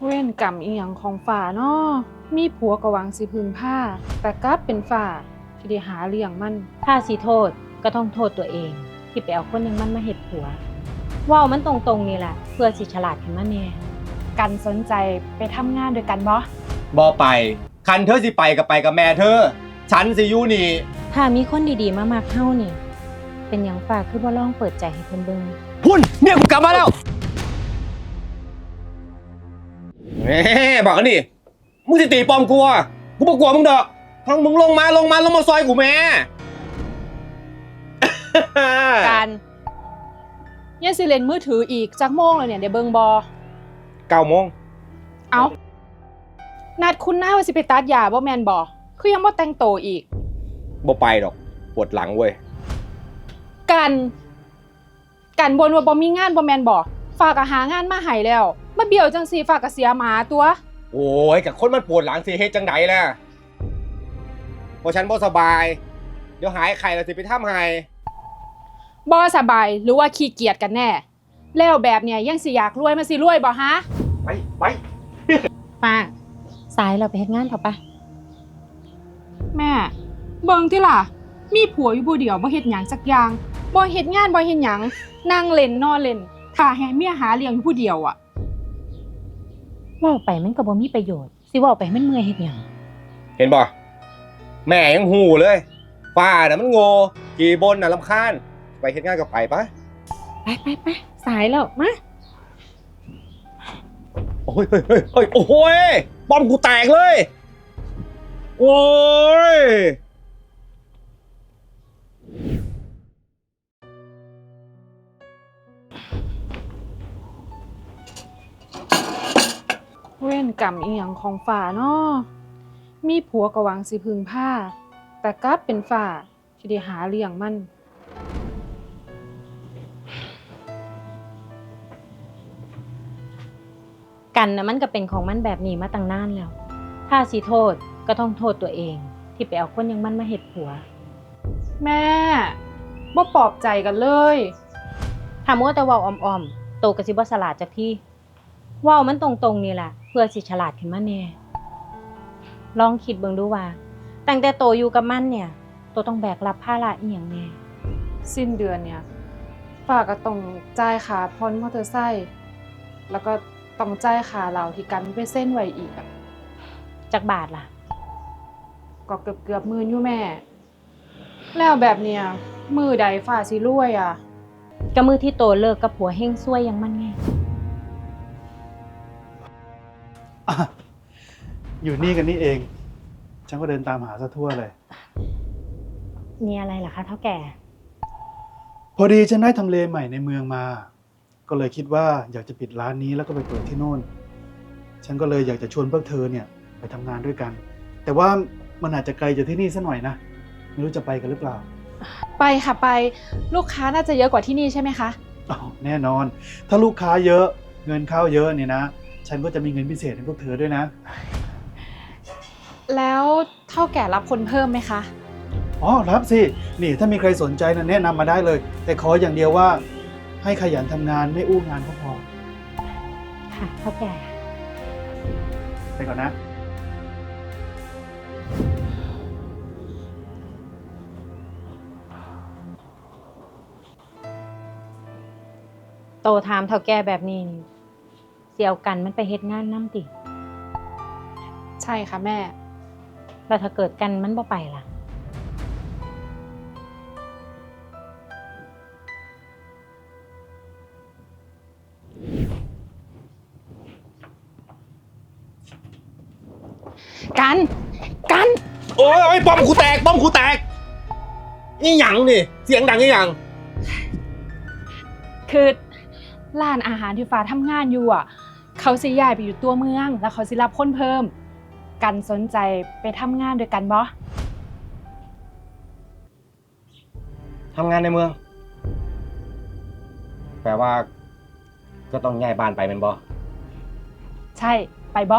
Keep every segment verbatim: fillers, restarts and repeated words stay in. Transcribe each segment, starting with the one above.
เว้นกรรมอีหยังของฝ่าเนาะมีผัวก็หวังสิพึงผ้าแต่กลับเป็นฝ่าที่ได้หาเลี้ยงมันถ้าสิโทษก็ต้องโทษตัวเองที่ไปเอาคนอยังมันมาเฮ็ดผัวเว้ามันตรงๆนี่แหละเพื่อสิฉลาดขึ้นมาแน่กันสนใจไปทำงานด้วยกันบ่บ่ไปคันเธอสิไปกับไปกับแม่เธอฉันสิอยู่นี่ถ้ามีคนดีๆมามักเฮานี่เป็นหยังฝากคือบ่ลองเปิดใจให้เพิ่นเบิ่งพุ่นเมียกูกลับมาแล้วแหมบอกกันดิมึงสิตีปอมกูอ่ะกูบ่กลัวมึงดอกทั้งมึงลงมาลงมาลงมาซอยกูแม่การยังสิเล่นมือถืออีกจักโมงเลยเนี่ยได้เบิ่งบ่เก้าโมงเอ้านัดคุณหน้าว่าสิไปตัดยาบ่แม่นบ่คือยังบ่แต่งโตวอีกบ่ไปดอกปวดหลังเว้ยกันกันบนว่าบ่มีงานบ่แม่นบ่ฝากก็หางานมาให้แล้วมาเบี้ยวจังซี่ฝากก็เสียหมาตัวโอ้ยกับคนมันปวดหลังสิเฮ็ดจังไดล่ะเพราะฉันบ่สบายเดี๋ยวหายไข้แล้วสิไปทำให้บ่สบายหรือว่าขี้เกียจกันแน่ แล้วแบบเนี้ยยังสิอยากรวยมาสิรวยบ่ฮะไปไปป้าสายเราไปเฮ็ดงานเถอะปะแม่เบิ่งติล่ะมีผัวอยู่ผู้เดียวบ่เฮ็ดหยังสักอย่างบ่เฮ็ดงานบ่เฮ็ดหยังนั่งเล่นนอนเล่นถ้าให้เมียหาเลี้ยงอยู่ผู้เดียวอ่ะเว้าไปมันก็บ่มีประโยชน์สิเว้าไปให้มันเมื่อยเฮ็ดหยังเห็นบ่แม่ยังหูเลยป้าน่ะมันโง่กี่บนน่ะรำคาญไปเฮ็ดงานกับไปปะไปไปไปสายแล้วมาโอ้ยเฮ้ยเฮ้ยเฮ้ยโอ้โหยบอมกูแตกเลย โอ้ยเว้นกรรมอีหยังของฝ่าเนาะมีผัวก็หวังสิพึงผ้าแต่กลับเป็นฝ่าที่ได้หาเลี้ยงมันกันนะมันก็เป็นของมันแบบนี้มาตั้งนานแล้ว ถ้าสิโทษก็ต้องโทษตัวเองที่ไปเอาคนอยังมันมาเฮ็ดผัวแม่บ่ปลอบใจกันเลยถ้ามัวแต่เว้าอ้อมๆโตก็สิบ่ฉลาดจักทีเว้ามันตรงๆนี่แหละเพื่อสิฉลาดขึ้นมาแน่ลองคิดเบิ่งดูว่าตั้งแต่โตอยู่กับมันเนี่ยโตต้องแบกรับภาระอีหยังแน่สิ้นเดือนเนี่ยฝ่าก็ต้องจ่ายค่าผ่อนมอเตอร์ไซค์แล้วก็ต้องจ่ายค่าเหล้าที่กันไปเส้นไว้อีกอะจักบาทล่ะก็เกือบเกือบหมื่นอยู่แม่ แล้วแบบเนี้ยมือใดฝ่าสิรวยอ่ะก็มือที่โตเลิกกับผัวเฮงซวยอยังมันไงอ่ะอยู่นี่กันนี่เอง ฉันก็เดินตามหาซะทั่วเลยมีอะไรล่ะคะเท่าแก่พอดีฉันได้ทำเลใหม่ในเมืองมา ก็เลยคิดว่าอยากจะปิดร้านนี้แล้วก็ไปเปิดที่โน่น ฉันก็เลยอยากจะชวนพวกเธอเนี่ยไปทำงานด้วยกัน แต่ว่ามันอาจจะไกลจากที่นี่ซะหน่อยนะ ไม่รู้จะไปกันหรือเปล่าไปค่ะไปลูกค้าน่าจะเยอะกว่าที่นี่ใช่ไหมคะอ๋อแน่นอน ถ้าลูกค้าเยอะเงินเข้าเยอะเนี่ยนะ ฉันก็จะมีเงินพิเศษให้พวกเธอด้วยนะแล้วเท่าแก่รับคนเพิ่มไหมคะอ๋อรับสิ นี่ถ้ามีใครสนใจนะแนะนำมาได้เลย แต่ขออย่างเดียวว่าให้ขยันทำงานไม่อู้งานก็พอค่ะเท่าแก่ไปก่อนนะโตถามเท่าแก่แบบนี้นี่เสี่ยวกันมันไปเฮ็ดงานน้ำติใช่ค่ะแม่แล้วถ้าเกิดกันมันบ่ไปล่ะกันกันโอ้ยโอ้ยบอมกูแตกบอมกูแตกนี่หยังนี่เสียงดังนี่หยังคือร้านอาหารที่ฟ้าทำงานอยู่อ่ะ เขาสิย้ายไปอยู่ตัวเมือง แล้วเขาสิรับคนเพิ่ม กันสนใจไปทำงานด้วยกันบ่ทำงานในเมือง แปลว่า ก็ต้องย้ายบ้านไปเป็นบ่ใช่ไปบ่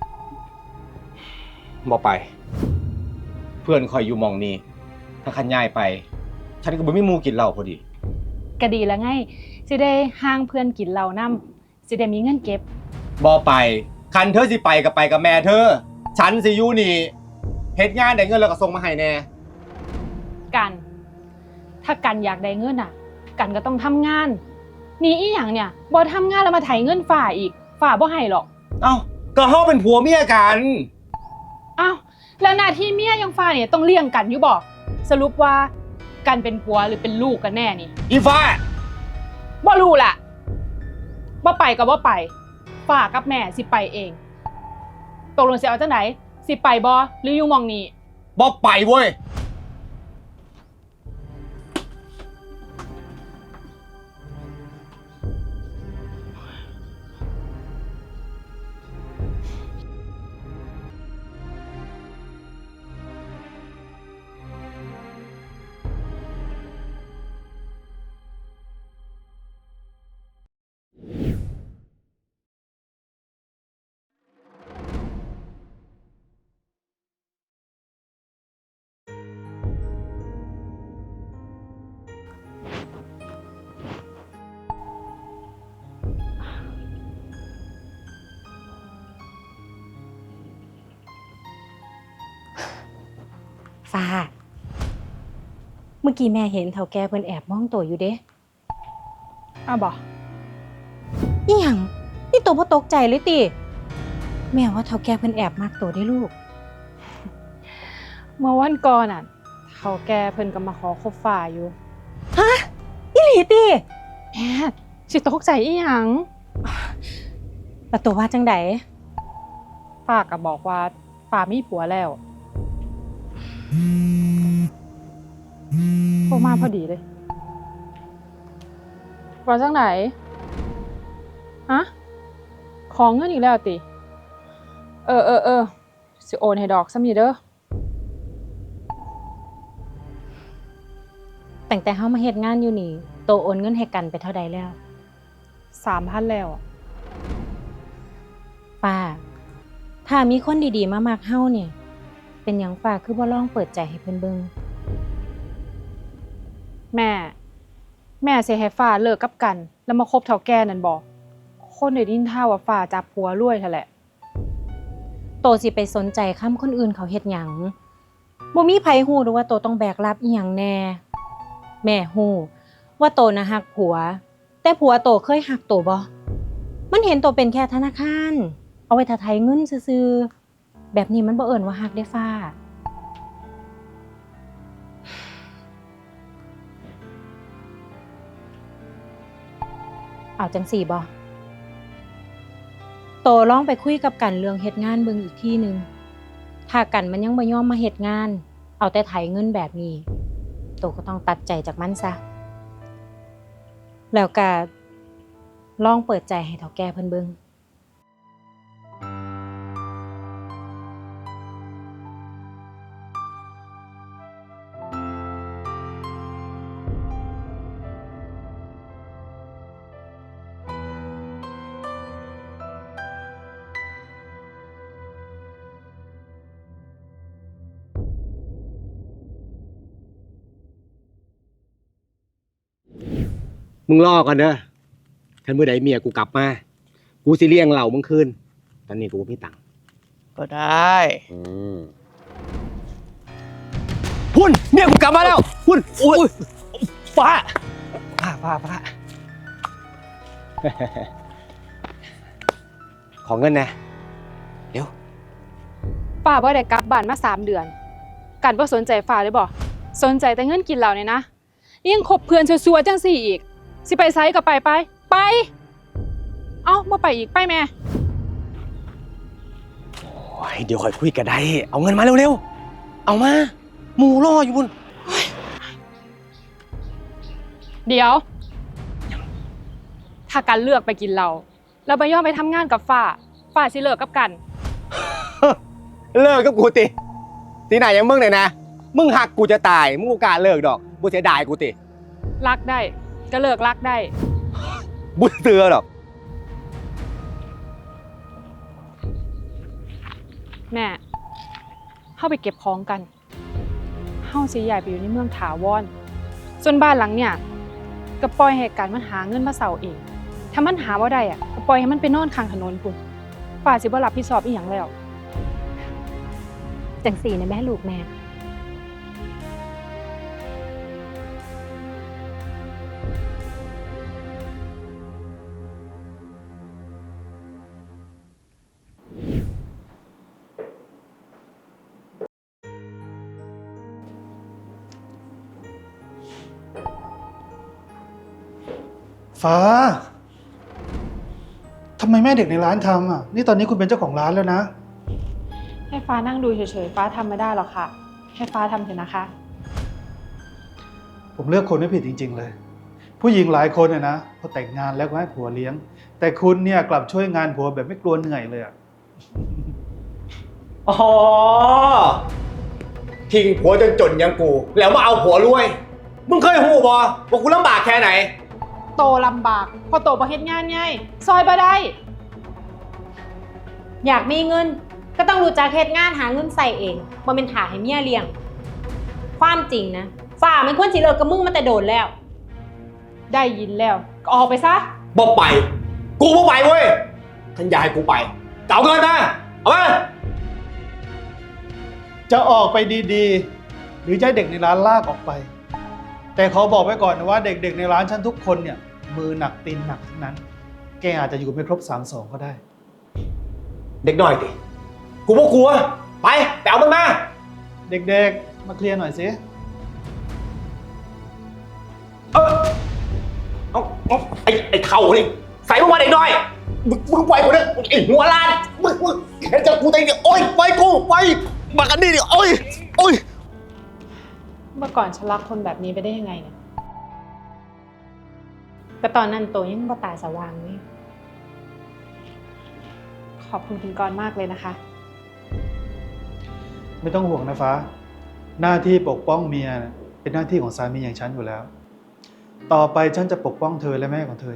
บ่ไป เพื่อนคอยอยู่หมองนี้ถ้าคันย้ายไป ฉันก็บ่มีหมู่กินเหล้าพอดีก็ดีแล้วไงสิได้ห่างเพื่อนกินเหล้านำสิได้มีเงินเก็บบ่ไปคันเธอสิไปกับไปกับแม่เธอ ฉันสิอยู่นี่เฮ็ดงานได้เงินแล้วก็ส่งมาให้แน่กัน ถ้ากันอยากได้เงินอ่ะ กันก็ต้องทำงาน นี่อีหยังเนี่ยบ่ทำงานแล้วมาไถเงินฝ่าอีกฝ่าบ่ให้หรอกเอ้าก็เฮาเป็นผัวเมียกันอ้าวแล้วหน้าที่เมียยังฝ่าเนี่ยต้องเลี้ยงกันอยู่บ่สรุปว่ากันเป็นผัวหรือเป็นลูกกันแน่นี่อีฟ้าบ่รู้ล่ะบ่ไปก็บ่ไปฝ่ากับแม่สิไปเองตกลงสิเอาจังไหนสิไปบ่หรืออยู่หม่องนี้บ่ไปเว้ยฟ้า เมื่อกี้แม่เห็นเฒ่าแก่เพิ่นแอบมองโตอยู่เด้อ้าวบ่อีหยังนี่โตบ่ตกใจเลยติแม่ว่าเฒ่าแก่เพิ่นแอบมักโตได้ลูกเมื่อวันก่อนน่ะเขาแก่เพิ่นก็มาขอคบฝ่าอยู่ฮะอีหลีติแม่สิตกใจอีหยังแล้วโตว่าจังได๋ฝ่าก็บอกว่าฝ่ามีผัวแล้วโทรมาพอดีเลยว่าจังไหนฮะของเงินอีกแล้วติเออเออเออสิโอนให้ดอกซ้ำนี่เด้อตั้งแต่เฮามาเฮ็ดงานอยู่นี่โตโอนเงินให้กันไปเท่าใดแล้วสามพันแล้วอะป้า ถ้ามีคนดีๆมามักเฮาเนี่ย เป็นหยังป้าคือบ่ลองเปิดใจให้เพิ่นเบิ่งแม่ แม่สิให้ฝ่าเลิกกับกัน แล้วมาคบเฒ่าแก่นั่นบ่คนได้ยินท่าว่าฝ่าจับผัวรวยเท่าแหละโตสิไปสนใจคำคนอื่นเขาเฮ็ดหยังบ่มีไผฮู้ดอกว่าโตต้องแบกรับอีหยังแน่ แม่ฮู้ว่าโตน่ะฮักผัว แต่ผัวโตเคยฮักโตบ่มันเห็นโตเป็นแค่ธนาคาร เอาไว้ถ้าไถเงินซื่อๆแบบนี้มันบ่เอิ้นว่าฮักได้ฟ้า เอาจังสี่บ่โตลองไปคุยกับกันเรื่องเฮ็ดงานเบิ่งอีกทีหนึงถ้ากันมันยังบ่ยอมมาเฮ็ดงาน เอาแต่ไถเงินแบบนี้โตก็ต้องตัดใจจากมันซะแล้วก็ลองเปิดใจให้เฒ่าแก่เพิ่นเบิ่งมึงรอกันเด้อคันมื้อใดเมียกูกลับมา กูสิเลี้ยงเหล้ามึงคืน ตอนนี้กูบ่มีตังค์ก็ได้อืมพุ่นเมียกูกลับมาแล้ว พุ่นโอ้ยฟ้าฟ้าฟ้าฟ้าขอเงินนะฝ่าบ่ได้กลับบ้านมาสามเดือน กันบ่สนใจฝ่าเลยบ่สนใจแต่เงินกินเหล้าเนี่ยนะยังคบเพื่อนซัวๆจังซี่อีก สิไปไสก็ไปไปไป เอ้าบ่ไปอีกไปแม่โอ้ยเดี๋ยวค่อยคุยกันได้ เอาเงินมาเร็วๆ เอามา หมูรออยู่พุ่นเดี๋ยว ถ้ากันเลือกไปกินเหล้าแล้วบ่ยอมไปทำงานกับฝ่าฝ่าสิเลิกกับกันเลิกกับกูติที่ไหนยังมึงเนี่ยนะ มึงหักกูจะตาย มึงกูกล้าเลิกดอกกูเสียดายกูติรักได้ก็เลิกรักได้บุเตือดอกแม่เฮาไปเก็บของกันเฮาสิย้ายไปอยู่ในเมืองถาวรส่วนบ้านหลังเนี่ยก็ปล่อยให้กันมันหาเงินมาเซาเองถ้ามันหาบ่ได้อ่ะก็ปล่อยให้มันไปนอนข้างถนนพุ่นฟ้าสิบ่รับผิดชอบอีหยังแล้วจังสี่นะแม่ลูกแม่ฟ้าทำไมแม่เด็กในร้านทำอ่ะ นี่ตอนนี้คุณเป็นเจ้าของร้านแล้วนะให้ฟ้านั่งดูเฉยๆฟ้าทำไม่ได้หรอกค่ะให้ฟ้าทำเถอะนะคะผมเลือกคนไม่ผิดจริงๆเลย ผู้หญิงหลายคนเนี่ยนะพอแต่งงานแล้วก็ให้ผัวเลี้ยง แต่คุณเนี่ยกลับช่วยงานผัวแบบไม่กลัวเหนื่อยเลยอ่ะอ๋อทิ้งผัวจนจนอยังกู แล้วมาเอาผัวรวย มึงเคยหูบอว่ากูลำบากแค่ไหนโตลำบากพอโตบ่เฮ็ดงานง่ายซอยบ่ได้อยากมีเงิน ก็ต้องรู้จักเฮ็ดงานหาเงินใส่เองบ่เป็นถ่าให้เมียเลี้ยง ความจริงนะฝ่ามันควรสิเลิกกับมึงมาแต่โดนแล้วได้ยินแล้วก็ออกไปซะบอกไป กูบอกไปเว้ยท่านยายกูไปเก่าเงินนะเอามาจะออกไปดีๆ หรือจะให้เด็กในร้านลากออกไป แต่ขอบอกไว้ก่อนนะว่าเด็กๆในร้านฉันทุกคนเนี่ยมือหนักตีนหนักทั้งนั้น แกอาจจะอยู่ไม่ครบสามสองก็ได้เด็กหน่อยดิกูบอกกลัว ไปไปเอามันมาเด็กๆมาเคลียร์หน่อยสิเออเอาเอาไอ้ไอ้เท่านี่ใส่มึงมาเด็กหน่อยมึงมึงปล่อยกูเนี่ยไอ้หัวล้านมึงมึงเห็นจะกูตีเนี่ยโอ๊ยปล่อยกูไปมากันนี่ดิโอ๊ยโอ๊ยเมื่อก่อนฉันรักคนแบบนี้ไปได้ยังไงเนี่ยก็ตอนนั้นโตยังบ่ตาสว่างนี่ขอบคุณคุณกรณ์มากเลยนะคะไม่ต้องห่วงนะฟ้า หน้าที่ปกป้องเมียเป็นหน้าที่ของสามีอย่างฉันอยู่แล้ว ต่อไปฉันจะปกป้องเธอและแม่ของเธอเอง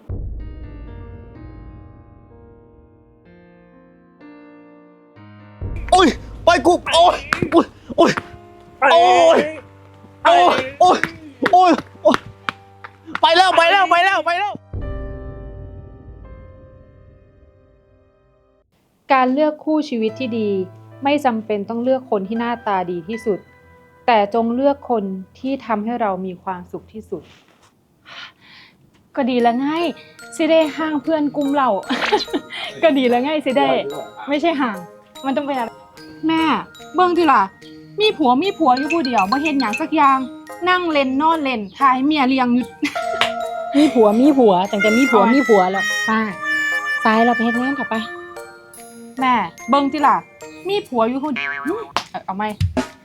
โอ๊ยปล่อยกูโอ๊ยโอ๊ยโอ๊ยโอ๊ยโอ๊ยโอ๊ยโอ๊ยไปแล้วไปแล้วไปแล้วไปแล้วการเลือกคู่ชีวิตที่ดีไม่จำเป็นต้องเลือกคนที่หน้าตาดีที่สุด แต่จงเลือกคนที่ทำให้เรามีความสุขที่สุด ก็ดีแล้วไงสิได้ห่างเพื่อนกลุ่มเรา ก็ดีแล้วไงสิได้ไม่ใช่ห่าง มันต้องเป็นอะไรแม่เบิ่งทีล่ะมีผัวมีผัวอยู่ผู้เดียวบ่เฮ็ดหยังสักอย่าง นั่งเล่นนอนเล่นทายเมียเลี้ยงอยู่มีผัวมีผัวตั้งแต่มีผัวมีผัวแล้วป้าซ้ายเราไปเฮ็ดงานเถอะไปแม่เบิ่งทีล่ะมีผัวอยู่คนเดียวอื้อเอาเอาไหม